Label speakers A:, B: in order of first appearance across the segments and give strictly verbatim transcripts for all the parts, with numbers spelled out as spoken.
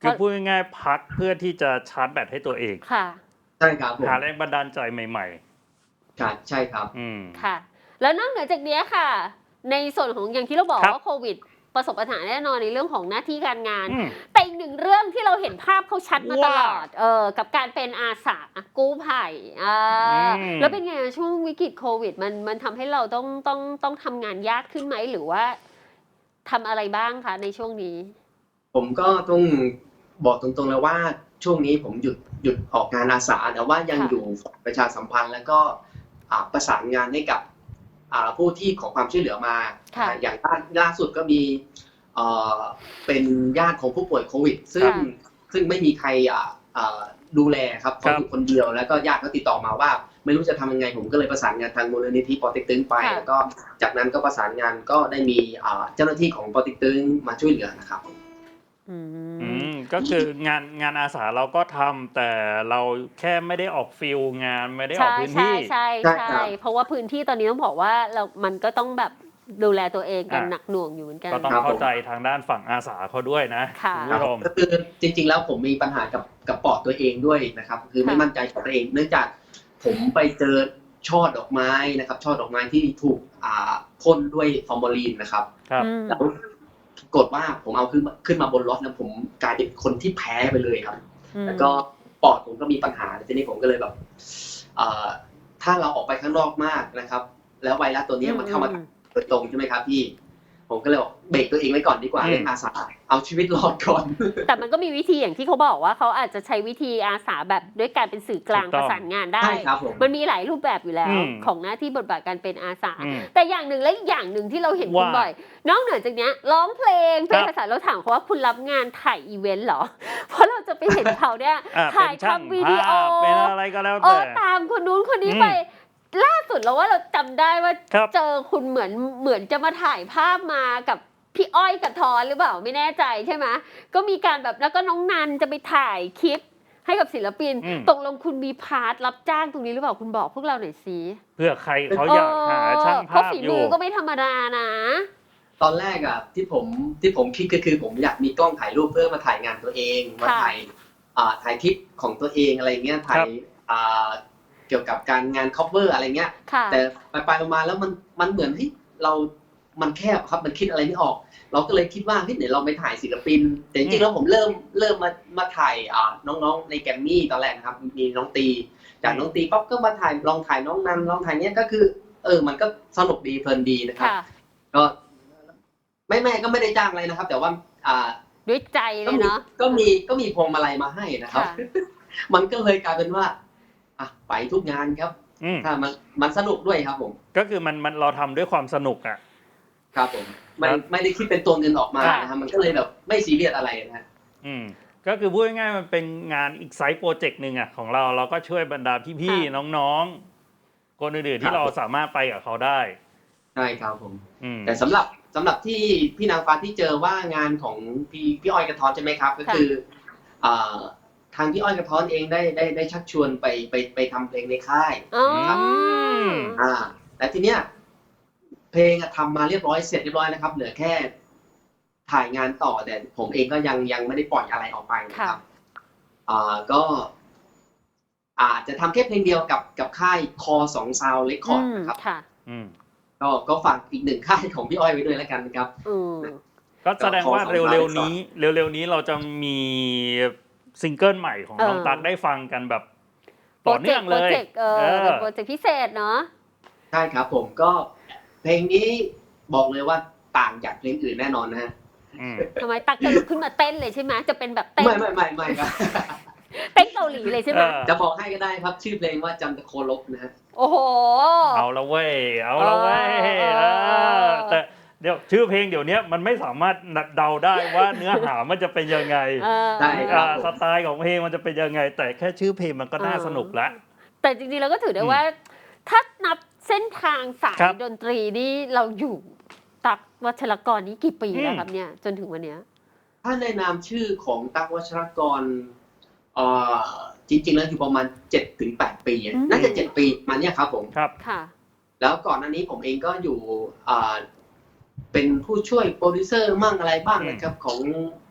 A: คือพูดง่ายๆพักเพื่อที่จะชาร์จแบตให้ตัวเอง
B: ค่ะ
C: ใช่ครับผม
A: หาแรงบันดาลใจใหม่
C: ครับใช่ครับ
A: ๆอืม
B: ค่ะ แล้วนอกเหนือจากนี้ค่ะ ในส่วนของอย่างที่เราบอกว่าโควิดประสบปัญหาแน่นอนในเรื่องของหน้าที่การงาน แต่อีกหนึ่งเรื่องที่เราเห็นภาพเขาชัดมาตลอดเออกับการเป็นอาสากู้ภัยอ่าแล้วเป็นไงช่วงวิกฤตโควิดมันมันทำให้เราต้องต้องต้องทำงานยากขึ้นไหมหรือว่าทำอะไรบ้างคะในช่วงนี้
C: ผมก็ต้องบอกตรงๆเลยว่าช่วงนี้ผมหยุดหยุดออกงานอาสาแต่ว่ายังอยู่ประชาสัมพันธ์แล้วก็ประสานงานให้กับผู้ที่ขอความช่วยเหลือมาอย่างล่าสุดก็มีเป็นญาติของผู้ป่วยโควิดซึ่งซึ่งไม่มีใครดูแลครับเขาอยู่คนเดียวแล้วก็ญาติเขาติดต่อมาว่าไม่รู้จะทำยังไงผมก็เลยประสานงานทางมูลนิธิปอเต็กตึงไปแล้วก็จากนั้นก็ประสานงานก็ได้มีเจ้าหน้าที่ของปอเต็กตึงมาช่วยเหลือนะครับ
B: อื
A: มก็คืองานงานอาสาเราก็ทำแต่เราแค่ไม่ได้ออกฟิลงานไม่ได้ออกพื้นที่
B: ใช่ใช่ใช่เพราะว่าพื้นที่ตอนนี้ต้องบอกว่าเรามันก็ต้องแบบดูแลตัวเองกันหนักหน่วงอยู่เหมือนกัน
A: ก็ต้องเข้าใจทางด้านฝั่งอาสาเขาด้วยนะคุณผู้ชม
C: ก็คือจริงๆแล้วผมมีปัญหากับกับปอดตัวเองด้วยนะครับคือไม่มั่นใจกับตัวเองเนื่องจากผมไปเจอช่อดอกไม้นะครับช่อดอกไม้ที่ถูกอ่าพ่นด้วยฟอร์มาลีนนะครับแล้วกดว่าผมเอาขึ้นขึ้นมาบนรถแล้วผมกลายเป็นคนที่แพ้ไปเลยครับแล้วก็ปอดผมก็มีปัญหาทีนี้ผมก็เลยแบบถ้าเราออกไปข้างนอกมากนะครับแล้วไวรัสตัวนี้มันเข้ามาโดยตรงใช่ไหมครับพี่ผมก็เลยบอกเบรกตัวเองไว้ก่อนดีกว่าเรื่องอาสาเอาชีวิตรอดก่อน
B: แต่มันก็มีวิธีอย่างที่เขาบอกว่าเขาอาจจะใช้วิธีอาสาแบบด้วยการเป็นสื่อกลางประสานงานได้มันมีหลายรูปแบบอยู่แล้วของหน้าที่บทบาทการเป็นอาสาแต่อย่างหนึ่งและอย่างหนึ่งที่เราเห็นคุณบ่อยนอกเหนือจากนี้ร้องเพลงเป็นภาษาเราถามเขาว่าคุณรับงานถ่ายอีเวนต์เหรอเพราะเราจะไปเห็นเขาเนี่ยถ่ายทำวิดีโอ
A: เป็นอะไรก็แล้วแต่
B: ตามคนนู้นคนนี้ไปล่าสุดเราว่าเราจำได้ว่าเจอคุณเหมือนเหมือนจะมาถ่ายภาพมากับพี่อ้อยกับทอนหรือเปล่าไม่แน่ใจใช่ไหมก็มีการแบบแล้วก็น้องนันจะไปถ่ายคลิปให้กับศิลปินตกลงคุณมีพาร์ทรับจ้างตรงนี้หรือเปล่าคุณบอกพวกเราหน่อยสิ
A: เพื่อใครเขาอยากหาช่างภาพอยู่
B: ฝีมือก็ไม่ธรรมดานะ
C: ตอนแรกอะที่ผมที่ผมคิดก็คือผมอยากมีกล้องถ่ายรูปเพื่อมาถ่ายงานตัวเองมาถ่ายถ่ายคลิปของตัวเองอะไรเงี้ยถ่ายเกี่ยวกับการงาน cover อะไรเงี้ยแต่ไปไปมาแล้วมันมันเหมือนที่เรามันแคบครับมันคิดอะไรไม่ออกเราก็เลยคิดว่าเฮ้ยเดี๋ยวเราไปถ่ายศิลปินแต่จริงๆแล้วผมเริ่มเริ่มมามาถ่ายน้องๆในแกรมมี่ตอนแรกนะครับมีน้องตีจากน้องตีป๊อปก็มาถ่ายลองถ่ายน้องนันลองถ่ายเนี้ยก็คือเออมันก็สนุกดีเพลินดีนะครับก็ไม่แม่ก็ไม่ได้จ้างอะไรนะครับแต่ว่า
B: ด้วยใจเลยเนาะ
C: ก็มีก็มีพวงมาลัยมาให้นะครับมันก็เลยกลายเป็นว่าอ่ะไปทุกงานครับถ้ามันมันสนุกด้วยครับผม
A: ก็คือมันมันเราทำด้วยความสนุกอ่ะ
C: ครับผมไม่ไม่ได้คิดเป็นตัวเงินออกมานะครับมันก็เลยแบบไม่ซีเรียสอะไรนะ
A: อืมก็คือพูดง่ายๆมันเป็นงานอีกไซต์โปรเจกต์หนึ่งอ่ะของเราเราก็ช่วยบรรดาพี่ๆน้องๆคนอื่นๆที่เราสามารถไปกับเขาได้
C: ใช่ครับผมแต่สำหรับสำหรับที่พี่นางฟ้าที่เจอว่างานของพี่พี่อ้อยกระท้อนใช่ไหมครับก็คือทางพี่อ้อยกระท้อนเองได้ได้ได้ชักชวนไปไปไปทำเพลงในค่ายนะครับอ่าแต่ทีเนี้ยเพลงทำมาเรียบร้อยเสร็จเรียบร้อยนะครับเหลือแค่ถ่ายงานต่อแต่ผมเองก็ยังยังไม่ได้ปล่อยอะไรออกไปนะครับอ่าก็อาจจะทำแค่เพลงเดียวกับกับค่ายคอสองซาวเรคคอร์ดนะครับก็ก็ฝากอีกหนึ่งค่ายของพี่อ้อยไว้ด้วยแล้วกันนะครับ
A: ก็แสดงว่าเร็วๆนี้เร็วๆนี้เราจะมีซิงเกิลใหม่ของน้องตั๊กได้ฟังกันแบบต่อเนื่องเลย
B: โปรเจกต์เออโปรเจกต์พิเศษเนาะ
C: ใช่ครับผมก็เพลงนี้บอกเลยว่าต่างจากเพลงอื่นแน่นอนนะฮะ
B: ทำไมตั๊กจะลุกขึ้นมาเต้นเลยใช่ไหมจะเป็นแบบเต้น
C: ไม่ไม่ไม่ไม่ครับ
B: เต้นเกาหลีเลยใช่ไหม
C: จะบอกให้ก็ได้ครับชื่อเพลงว่าจันทโคลบนะฮะ
B: โอ้โห
A: เอาละเว้ยเอาละเว้ยแต่เดี๋ยวชื่อเพลงเดี๋ยวนี้มันไม่สามารถเดาได้ว่าเนื้อหามันจะเป็นยังไง
C: ใช่ครับ
A: สไตล์ของเพลงมันจะเป็นยังไงแต่แค่ชื่อเพลงมันก็น่าสนุกแล้ว
B: แต่จริงๆเราก็ถือได้ว่าถ้านับเส้นทางสายดนตรีนี่เราอยู่ตั๊กวัชรกรนี้กี่ปีแล้วครับเนี่ยจนถึงวันนี้
C: ถ้าในนามชื่อของตั๊กวัชรกรเอ่อจริงๆแล้วอยู่ประมาณ เจ็ดถึงแปด ปีน่าจะเจ็ดปีมาเนี่ยครับผม
A: ครับ
B: ค่ะ
C: แล้วก่อนหน้านี้ผมเองก็อยู่อ่าเป็นผู้ช่วยโปรดิวเซอร์มั่งอะไรบ้างนะครับของ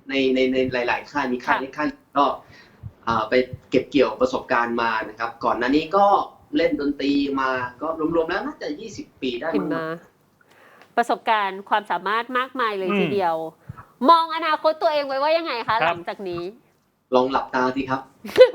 C: ในในในหลายๆค่ายมีค่ายเล็กค่ายก็ไปเก็บเกี่ยวประสบการณ์มานะครับก่อนหน้านี้ก็เล่นดนตรีมาก็รวมๆแล้วน่าจะยี่สิบปีได้มั้งครับ
B: ประสบการณ์ความสามารถมากมายเลยทีเดียวมองอนาคตตัวเองไว้ว่ายังไงคะหลังจากนี้
C: ลองหลับตาสิครับ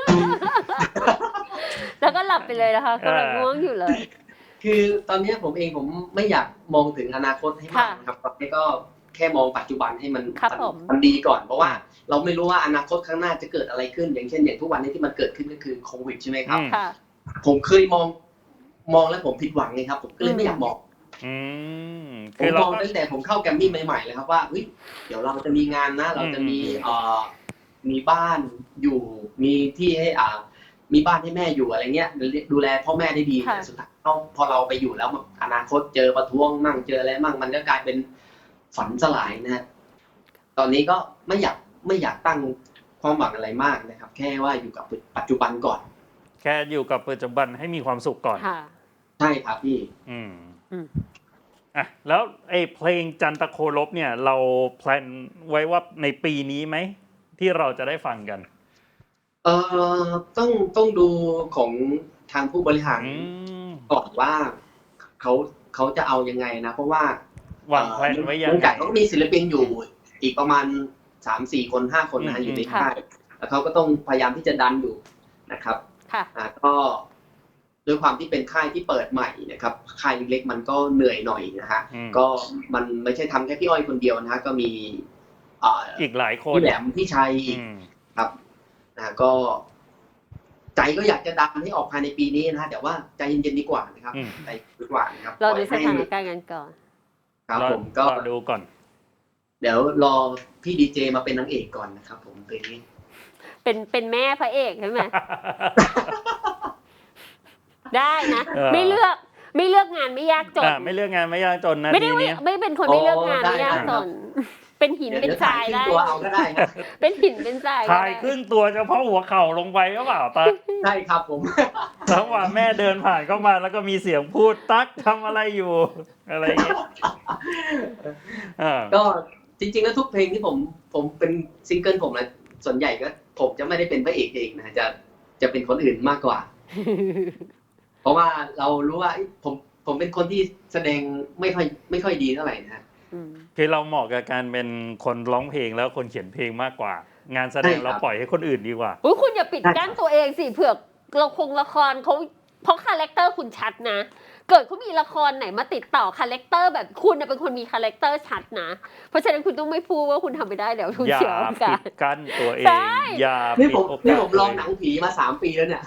B: แล้วก็หลับไปเลยนะคะกำลังง่วงอยู่เลย
C: คือตอนนี้ผมเองผมไม่อยากมองถึงอนาคตให้มากครับตอนนี้ก็แค่มองปัจจุบันให้มันมันดีก่อนเพราะว่าเราไม่รู้ว่าอนาคตข้างหน้าจะเกิดอะไรขึ้นอย่างเช่นอย่างทุกวันนี้ที่มันเกิดขึ้นก็คือโควิดใช่ไหมครับผมเคยมองมองแล้วผมผิดหวังไงครับผมก็เลยไม่อยากมองผมมองตั้งแต่ผมเข้าแกรมมี่ใหม่ๆเลยครับว่าเดี๋ยวเราจะมีงานนะเราจะมีเอ่อมีบ้านอยู่มีที่ให้อ่ามีบ้านให้แม่อยู่อะไรเงี้ยดูแลพ่อแม่ได้ดีแต่สุดท้ายพอเราไปอยู่แล้วอนาคตเจอประท้วงมั่งเจออะไรมั่งมันก็กลายเป็นฝันสลายนะตอนนี้ก็ไม่อยากไม่อยากตั้งความหวังอะไรมากนะครับแค่ว่าอยู่กับปัจจุบันก่อน
A: แค่อยู่กับปัจจุบันให้มีความสุขก่อน
C: ใช่ครับพี่
A: อืมอ่ะแล้วไอ้เพลงจันทโคลบเนี่ยเราแพลนไว้ว่าในปีนี้ไหมที่เราจะได้ฟังกัน
C: เอ่อต้องต้องดูของทางผู้บริหารก่อนว่าเขาเขาจะเอายังไงนะเพราะว่าว
A: างแผนไว้ยังไง
C: เขามีศิลปินอยู่อีกประมาณ สามสี่ คนห้าคนนะอยู่ในค่ายแล้วเขาก็ต้องพยายามที่จะดันอยู่นะครับ
B: ค่ะ
C: อ่าก็ด้วยความที่เป็นค่ายที่เปิดใหม่นะครับค่ายเล็กๆมันก็เหนื่อยหน่อยนะฮะก็มันไม่ใช่ทำแค่พี่อ้อยคนเดียวนะฮะก็มี
A: อ่าอีกหลายคน
C: พี่แหลมพี่ชัยอีกครับนะก็ใจก็อยากจะดันให้ออกภายในปีนี้นะฮะแต่ว่าใจเย็นๆดีกว่านะครับใจดีกว่านะครับ
B: เราดูสถานการณ์กันก่อน
C: ครับผมก็
A: ดูก่อน
C: เดี๋ยวรอพี่ดีเจมาเป็นนางเอกก่อนนะครับผมเพลงนี้
B: เป็นเป็นแม่พระเอกใช่ไหมได้นะไม่เลือกไม่เลือกงานไม่ยากจน
A: ไม่เลือกงานไม่ยากจนนะ
B: ไม่ได้ไม่เป็นคนไม่เลือกงานไม่ยากจนเป็นหินเป็นทรายได้
C: ตัวเอาก็ได้ครับ
B: เป็นหินเป็นทราย
A: ถ่ายครึ่งตัวเฉพาะหัวเข่าลงไปก็เปล่าตั๊ก
C: ใช่ครับผม
A: แล้วว่าแม่เดินผ่านเข้ามาแล้วก็มีเสียงพูดตั๊กทำอะไรอยู่อะไรอย่างเงี้ย
C: ก็จริงๆแล้วทุกเพลงที่ผมผมเป็นซิงเกิลผมนะส่วนใหญ่ก็ผมจะไม่ได้เป็นพระเอกเองนะจะจะเป็นคนอื่นมากกว่าเพราะว่าเรารู้ว่าผมผมเป็นคนที่แสดงไม่ค่อยไม่ค่อยดีเท่าไหร่นะ
A: คือเราเหมาะกับการเป็นคนร้องเพลงแล้วคนเขียนเพลงมากกว่างานแสดงเราปล่อยให้คนอื่นดีกว่า
B: อุ๊ยคุณอย่าปิดกั้นตัวเองสิเผื่อเราคงละครเขาเพราะคาแรคเตอร์คุณชัดนะเกิดเขามีละครไหนมาติดต่อคาแรคเตอร์แบบคุณเป็นคนมีคาแรคเตอร์ชัดนะเพราะฉะนั้นคุณต้องไม่พูดว่าคุณทำไม่ได้แล้วคุณเสียโอกาส
A: อย่าปิดกั้นตัวเองอย่า
C: ปิดโอกาสนี่ผมลองหนังผีมาสามปีแล้วเนี่ย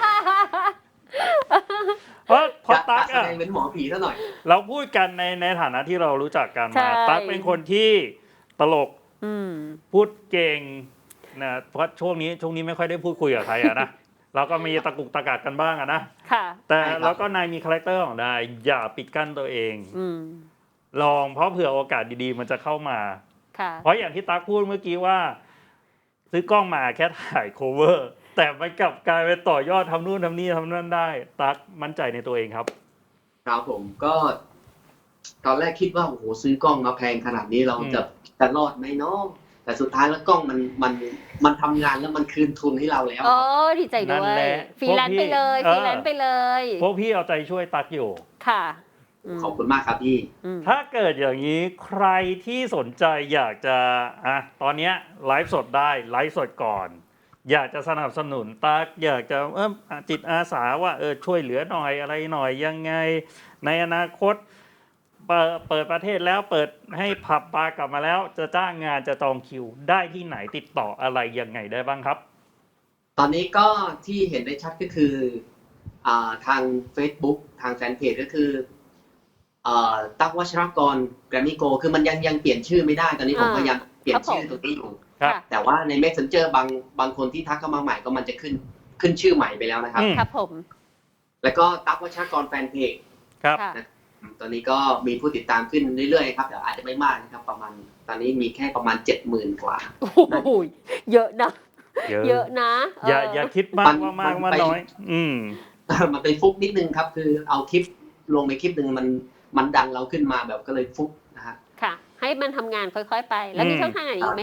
A: เพราะเพราะตั๊ก
C: อะเป็นหมอผีซะหน่อย
A: เราพูดกันในในฐานะที่เรารู้จักกันมาตั๊กเป็นคนที่ตลกพูดเก่งนะเพราะช่วงนี้ช่วงนี้ไม่ค่อยได้พูดคุยกับใครอะนะเราก็มีตะกุกตะกักกันบ้างอะนะแต่เราก็นายมีคาแรคเตอร์ของนายอย่าปิดกั้นตัวเองลองเพราะเผื่อโอกาสดีๆมันจะเข้ามาเพราะอย่างที่ตั๊กพูดเมื่อกี้ว่าซื้อกล้องมาแค่ถ่ายโคเวอร์แต่มันกลับกลายเป็นต่อยอดทำนู่นทำนี่ทำนั่นได้ตั๊กมั่นใจในตัวเองครับ
C: ครับผมก็ตอนแรกคิดว่าโอ้โหซื้อกล้องมาแพงขนาดนี้เราจะจะรอดไหมเนาะแต่สุดท้ายแล้วกล้องมันมันมันทำงานแล้วมันคืนทุนให้เราแล้ว
B: อ๋อดีใจด้วยฟรีแลนซ์ไปเลยฟรีแลนซ์ไปเลย
A: พวกพี่เอาใจช่วยตั๊กอยู่
B: ค่ะ
C: ขอบคุณมากครับพี่
A: ถ้าเกิดอย่างนี้ใครที่สนใจอยากจะอ่ะตอนนี้ไลฟ์สดได้ไลฟ์สดก่อนอยากจะสนับสนุนตั๊กอยากจะเออจิตอาสาว่าเออช่วยเหลือหน่อยอะไรหน่อยยังไงในอนาคตเปิดประเทศแล้วเปิดให้ผับบาร์กลับมาแล้วจะจ้างงานจะจองคิวได้ที่ไหนติดต่ออะไรยังไงได้บ้างครับ
C: ตอนนี้ก็ที่เห็นได้ชัดก็คืออ่าทาง Facebook ทางแฟนเพจก็คืออ่าตั๊กวัชรกรแกรมมี่โกคือมันยังยังเปลี่ยนชื่อไม่ได้ตอนนี้ผมพยายามเปลี่ยนชื่อตรงนี้อยู่แต่ว่าใน Messenger บางบางคนที่ทักเข้ามาใหม่ก็มันจะขึ้นขึ้นชื่อใหม่ไปแล้วนะครับ
B: ครับผม
C: แล้วก็ตั๊กวัชรกรแฟนเพจ
A: ครับ
C: ตอนนี้ก็มีผู้ติดตามขึ้นเรื่อยๆครับแต่อาจจะไม่มากนะครับประมาณตอนนี้มีแค่ประมาณ เจ็ดหมื่น กว่า
B: โอ้โหเยอะนะเยอะนะ
A: อย่าอย่าคิดมากว่ามากว่าน้อยอืม
C: มันเป็นฟุกนิดนึงครับคือเอาคลิปลงไปคลิปนึงมันมันดังเราขึ้นมาแบบก็เลยฟุกนะฮะ
B: ค่ะให้มันทำงานค่อยๆไปแล้วมีช่องทางไหนอีกไหมครับ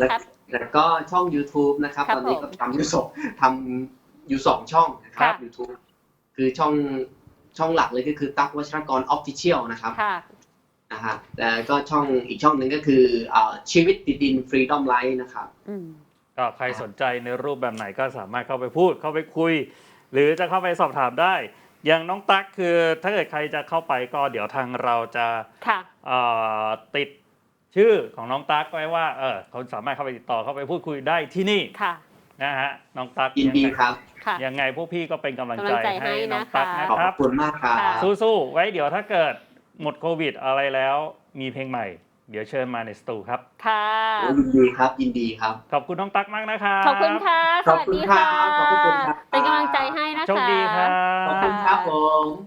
C: แล้วก็ช่อง YouTube นะครับ
B: ครับ
C: ตอนนี้
B: ผม
C: ก็ทำอยู่สองทำอยู่สองช่องนะครั
B: ค่ะ
C: บ YouTube คือช่องช่องหลักเลยก็คือตั๊กวัชรกร Official นะครับ
B: ค่ะ
C: นะฮะแล้วก็ช่องอีกช่องหนึ่งก็คืออ่าชีวิตติดดิน Freedom Life นะครับ
B: อืม
A: ก็ใครสนใจในรูปแบบไหนก็สามารถเข้าไปพูดเข้าไปคุย หรือจะเข้าไปสอบถามได้ อย่างน้องตั๊กคือถ้าเกิดใครจะเข้าไปก็เดี๋ยวทางเราจะ
B: ค่ะ
A: เอ่อติดชื่อของน้องตั๊กไว้ว่าเออเขาสามารถเข้าไปติดต่อเข้าไปพูดคุยได้ที่นี่
B: ค่ะ
A: นะฮะน้องตั๊ก
C: ยินดีครับ
B: ค่ะ
A: ยังไงพวกพี่ก็เป็นกำลังใจ
B: กำลังใจให้
A: ให้น้อง
B: นะคะ
A: ตั๊กนะ
C: ขอบ
A: ครับ
C: คุณมากครับ
B: ค่ะ
A: สู้ๆไว้เดี๋ยวถ้าเกิดหมดโควิดอะไรแล้วมีเพลงใหม่ เดี๋ยวเชิญมาในสตูครับ
B: ค่ะ
C: ยินดีครับยินดีครับ
A: ขอบคุณน้องตั๊กมากนะครับ
B: ขอบคุณค่ะ ส
C: ขอบ
B: วัส
C: คุณ
B: ดี
C: ครั
B: ค่ะ
C: บขอบคุณครับ
B: เป็นกำลังใจให้นะคะ
A: โชคดีครับ
C: ขอบคุณครับผม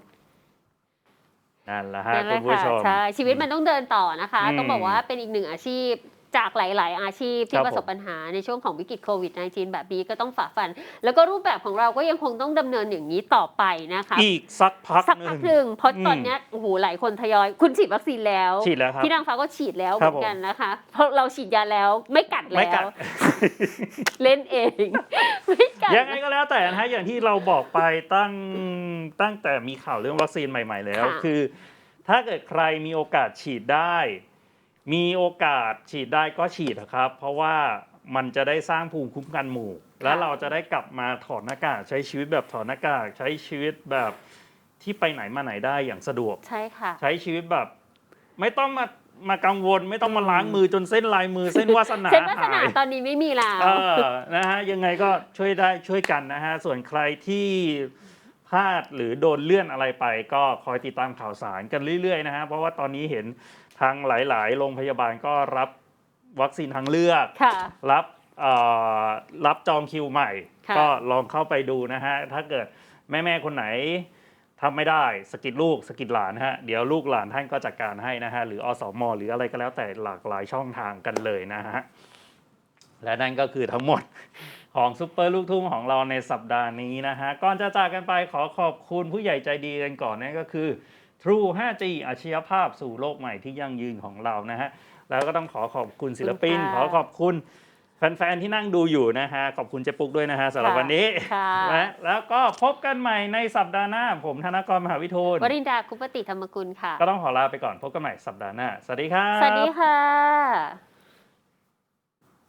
A: นั่นแหละฮะ
B: นั่นแห
A: คุ
B: ละ
A: ณผู้
B: ค่ะ
A: ชม
B: ใช่ชีวิตมันต้องเดินต่อนะคะ
A: อืม
B: ต้องบอกว่าเป็นอีกหนึ่งอาชีพจากหลาย ๆ อาชีพ
A: ค
B: ที่
A: รับ
B: ประสบปัญหาในช่วงของวิกฤตโควิด สิบเก้า แบบนี้ก็ต้องฝ่าฟัน แล้วก็รูปแบบของเราก็ยังคงต้องดำเนินอย่างนี้ต่อไปนะคะ
A: อีกสักพัก
B: สัก
A: ห
B: พั
A: นึ่
B: ก
A: ง
B: หนึ่งเพราะ
A: อืม
B: ตอนเนี้ยโอ้โหหลายคนทยอย คุณฉีดวัคซีนแล้ว
A: ฉีดแล้วครับ
B: พี่นางฟ้าก็ฉีดแล้วเห
A: ครั
B: มื
A: บ
B: อนกันนะคะ เพราะเราฉีดยาแล้วไม่กัด
A: ไม่
B: แล้
A: กั
B: ว
A: ด
B: เล่นเอง ไม่กัด
A: ยังไงก็แล้วแต่นะฮะอย่างที่เราบอกไปตั้งตั้งแต่มีข่าวเรื่องวัคซีนใหม่ ๆ แล้ว
B: ค่ะ
A: คือ ถ้าเกิดใครมีโอกาสฉีดได้ มีโอกาสฉีดได้ก็ฉีดนะครับ เพราะว่ามันจะได้สร้างภูมิคุ้มกันหมู่ แล้วเราจะได้กลับมาถอดหน้ากากใช้ชีวิตแบบถอดหน้ากากใช้ชีวิตแบบที่ไปไหนมาไหนได้อย่างสะดวก
B: ใช่ค่ะ
A: ใช้ชีวิตแบบ ไม่ต้องมามากังวล ไม่ต้องมาล้างมือจนเส้นลายมือ เส้นวาสนา
B: เส้นวาสนา
A: หาย
B: ตอนนี้ไม่มีแล้ว
A: เออ นะฮะ ยังไงก็ช่วยได้ช่วยกันนะฮะ ส่วนใครที่พลาดหรือโดนเลื่อนอะไรไป ก็คอยติดตามข่าวสารกันเรื่อยๆนะฮะ เพราะว่าตอนนี้เห็นทางหลายๆ โรงพยาบาลก็รับวัคซีนทางเลือก
B: ค่ะ
A: รับเอ่อรับจองคิวใหม่
B: ค่ะ
A: ก็ลองเข้าไปดูนะฮะ ถ้าเกิดแม่ๆ คนไหนทำไม่ได้สกิดลูกสกิดหลานฮะ เดี๋ยวลูกหลานท่านก็จัดการให้นะฮะ หรืออสม หรืออะไรก็แล้วแต่หลากหลายช่องทางกันเลยนะฮะ และนั่นก็คือทั้งหมดของซุปเปอร์ลูกทุ่งของเราในสัปดาห์นี้นะฮะ ก่อนจะจากกันไปขอขอบคุณผู้ใหญ่ใจดีกันก่อนนั่นก็คือ True ไฟว์จี อาชญาภาพสู่โลกใหม่ที่ยั่งยืนของเรานะฮะ แล้วก็ต้องขอขอบคุณศิลปิน
B: ขอบคุณ
A: ขอ
B: ค่ะ
A: ขอบคุณแฟนๆ ที่นั่งดูอยู่นะฮะ ขอบคุณเจ๊ปุ๊กด้วยนะฮะสำหรับ
B: ค่ะ
A: วันนี้
B: ค่ะ
A: และแล้วก็พบกันใหม่ในสัปดาห์หน้า ผมธนกร มหาวิทูล
B: วรินดาคุปติธรรมกุลค่ะ
A: ก็ต้องขอลาไปก่อนพบกันใหม่สัปดาห์หน้า สวัสดีครับ
B: สวัสดีค่ะ